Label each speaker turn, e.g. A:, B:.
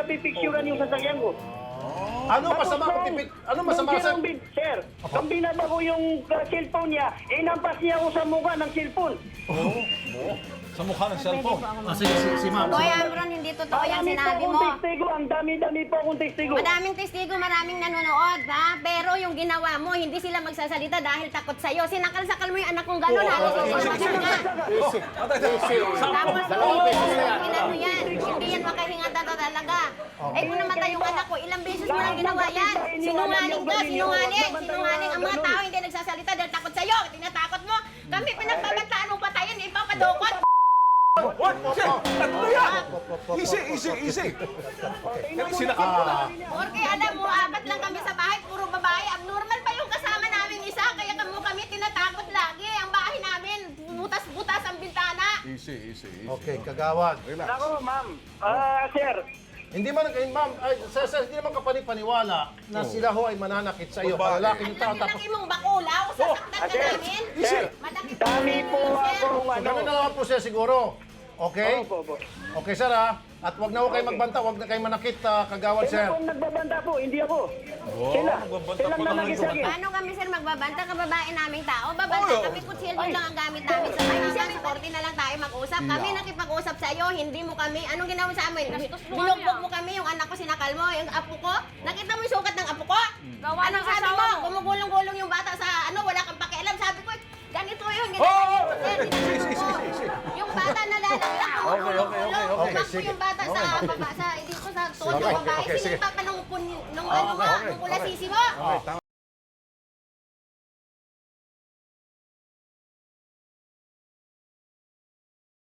A: napipicturean yung sasakyan ko.
B: Ano masama kung ano masama sa...
A: Sir, kung binaba ko yung cellphone niya, inampas niya ako sa mukha ng cellphone.
C: Sa mukha ng cellphone.
B: Si ma'am.
D: Boy Ambron, hindi totoo yung
A: Marami
D: sinabi
A: po
D: mo.
A: akong testigo, ang dami-dami po akong testigo.
D: Maraming testigo, maraming nanonood, ha? Pero yung ginawa mo, hindi sila magsasalita dahil takot sa'yo. Sinakal-sakal mo yung anak kong gano'n, halos ipapagod ka. Tapos, inano yan, hindi yan makahinga talaga. Eh kung namatay yung anak ko, ilang beses mo lang ginawa yan. Sinungaling ka, sinungaling. Ang mga tao hindi nagsasalita dahil takot sa'yo. Tinatakot mo. Kami pinagbabantaan mo patayin, ipapadukot.
C: What? Ano yan? Easy. Kasi sinakal mo na.
D: Porque alam mo, apat lang kami sa bahay, puro babae. Abnormal pa yung kasama namin isa, kaya kami tinatakot lagi. Ang bahay namin, butas-butas ang bintana.
C: Easy.
B: Okay, kagawad.
A: Ako, ma'am. Sir,
B: Hindi man, ma'am, hindi naman kapani-paniwala na sila ho ay mananakit sa iyo.
C: Babae.
B: Lalaki
D: Ang
B: ng tao. Tapos,
D: laki-laki mong bakulaw, sasaktan ka
A: Sir.
D: namin.
A: Sir,
D: Madakit
A: dami po
D: sir.
A: akong
B: so,
A: ano.
B: ganun na naman po siya siguro. Okay?
A: Opo.
B: Okay, sir, ha? At wag na ho kayo magbanta, wag na kayo manakit, kagawad,
A: Sila
B: sir.
A: po ang nagbabanta po, hindi ako. Sila.
C: nagbabanta
A: Silang
C: po naman
A: nanagis sa akin.
D: Paano kami sir magbabanta? Kababae naming tao. Babanta
C: Oo.
D: kami, kutsilyo lang ang gamit namin sa bahay. Hanggang 40 na lang tayo mag-usap. Kami nakipag-usap sa iyo, hindi mo kami. Anong ginawa sa amin? Binugbog mo kami, yung anak ko sinakal mo, yung apo ko. Nakita mo yung sukat ng apo ko? Anong sabi mo? Gumugulong-gulong yung bata sa wala kang pakialam. Sabi ko, ganito yung ginagawa mo, sir. Yung bata nalalaglag, gumugulong-gulong.
C: Okay.
D: Tumakbo yung bata sa baba, dito sa tuhod ng babae.
B: Okay, sige.
D: Sinipa pa nung ano mo, nung kulasisi mo.